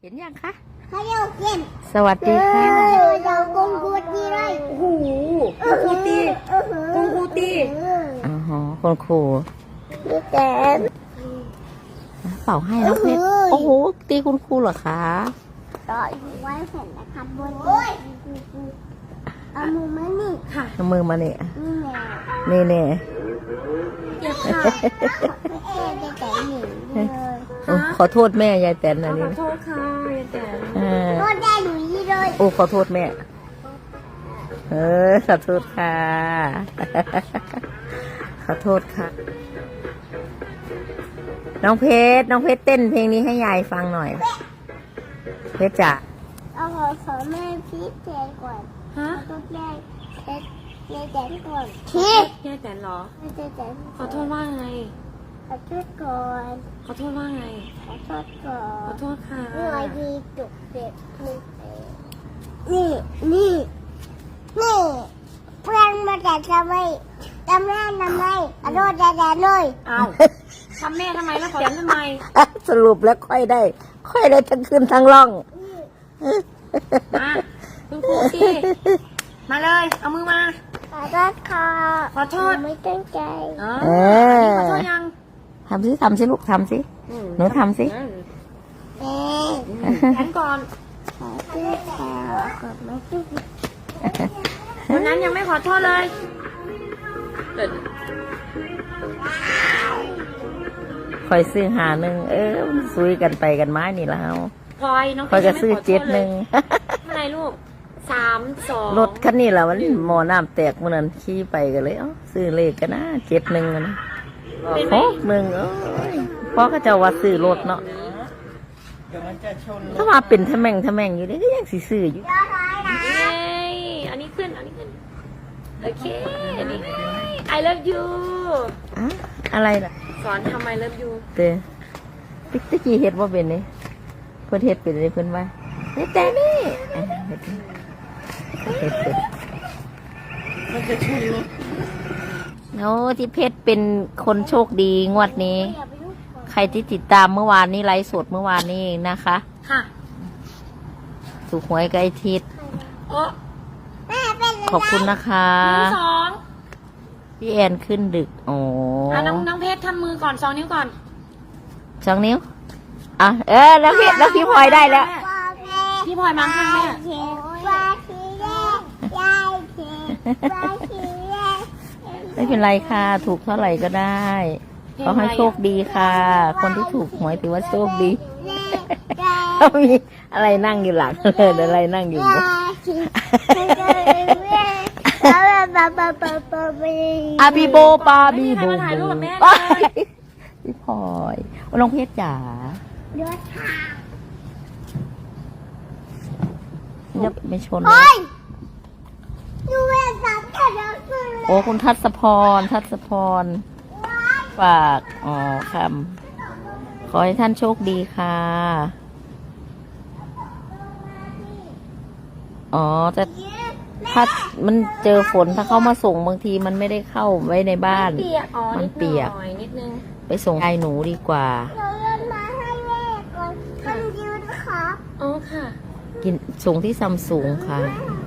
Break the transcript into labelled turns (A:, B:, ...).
A: เห็นยังคะ
B: เขาเรียกเกม
A: สวัสดีค่ะ
B: เรากงกูตีเลย
C: โอ้โหครูตีคุณครูตี
A: อ๋อคุณครู
B: พี่แกม
A: เป่าให้แล้วเพชรโอ้โหตีคุณครูเหรอคะ
B: ต่อยไว้เห็นนะครับบนเอามือมานี่
C: ค่ะ
A: เอามือมาเนี่ย
B: นี่แน่
A: นี่เนี่ย
C: เดี๋ยวค่ะ
B: จะแต่หนึ่งเลย
A: ขอโทษแม่ยายแตนนะ
C: ข
A: นี่
C: อโทษค่ะยายแตน
B: โทษได้หนูยี่เลย
A: โอ้ขอโทษแม่ขอโทษค่ะ ขอโทษค่ะ น้องเพชรเต้นเพลงนี้ให้ยายฟังหน่อย เพชรจ๋า
B: เอาขอแม่พี่แกก่อน
C: ฮะ
B: ต้องแม่แกก่อน
C: ยายแตนเหรอ
B: แม่แก
C: ขอโทษว่าไง
B: ขอโทษก่อน
C: ขอโทษว่าไง
B: ขอโทษก่อ
C: ขอน โทษค่ะ
B: นี่ไว้ดีจุกเด็กนี่เพื่อนมาแต่ทำไมขอโทษแต่เลย
C: เอาทำแม่ทำไมแล้วขอแตนทำไม
A: สรุปแล้วค่อยได้ทั้งขึ้นทั้งล่อง
C: มาคุณครูตีมาเลย เอามือมา
B: ขอโทษค่ะ
C: ขอโทษ
B: ไม่ตั้งใจ
C: อ๋อ
A: เออ
C: ขอโทษยัง
A: ทำสิลูกทำสิ หนูทำสิ
B: แม่
C: แตนก่อน
B: ขอโทษค่ะกดไม่ตั้ง
C: วันนั้นยังไม่ขอโทษเลยเดี๋ยว
A: คอยซื้อหาหนึ่งมันซุยกันไปกันมานี่แล้ว
C: พลอยน้อง
A: คอย
C: ยั
A: จะ
C: งไม่
A: ซื้อ
C: ขอโทษ
A: เจ็ดห
C: เล
A: นึ่
C: ย
A: ง
C: อะไรลูก3-2
A: รถคันนี้แหละมันหมอน้ำแตกมันนั้นขี่ไปกันเลยซื้อเลขกันนะ71นะ
C: เป็นไหม
A: เพราะก็จะว่าซื้อรถเนาะถ้ามาเป็นทะแม่งอยู่นี่ก็ยังสิซื้ออยู่
C: เย้อันนี้ขึ้น โอเค อันนี้ I love you
A: อะอะไรล่ะ
C: สอนทำ I love you
A: เต้ตะกี้เฮ็ดว่าเป็นนี่เพิ่นเฮ็ดเป็นเลยเพิ่นว่าแต่นี่เฮ็ดเป็น
C: มันจะชุนเลย
A: โอ้ที่เพชรเป็นคนโชคดีงวดนี้ ใครที่ติดตามเมื่อวานนี้ไลฟ์สดเมื่อวานนี้เองนะคะ
C: ค่ะ
A: ถูกหวยใกล้ทิศ
C: โอ้
B: แม่เป็น
A: ขอบคุณนะคะ
C: 1-2
A: พี่แอนขึ้นดึกโอ้
C: น้องเพชรทำมือก่อน2 นิ้วก่อน
A: 2 นิ้วอ่ะแล้วพี่พลอยได้แล้ว
B: พ่อแม่
C: พี่พลอยมาข้างแม่
B: เขียนว่าทีแรกยายเขียนว่าทีแรก
A: ไม่เป็นไรค่ะ ถูกเท่าไหร่ก็ได้ขอให้โชคดีค่ะ คนที่ถูกหวยถือว่าโชคดีเขามีอะไรนั่งอยู่หลังอะไรนั่งอยู่บนอาบีโบปาบีโบ
C: ไม่มีใครมาถ่ายรูปกับแม่เลย
A: พี่พลอยน้องเพชรจ๋าอย่าไม่ชนเลย
B: ยูเวนสับแต่ละคน
A: โอ้คุณทัศพรฝากคำขอให้ท่านโชคดีค่ะถ้ามันเจอฝนถ้าเข้ามาส่งบางทีมันไม่ได้เข้าไว้ในบ้าน
C: เปียก อ๋อ
A: มันเปียก
C: นิดนึง
A: ไปส่งยายหนูดีกว่า
B: เราเล่นมาให้แม่ก่อนมันยืนค่ะ
C: อ๋อค่ะ
A: กินส่งที่ซัมซุงค่ะ
B: แ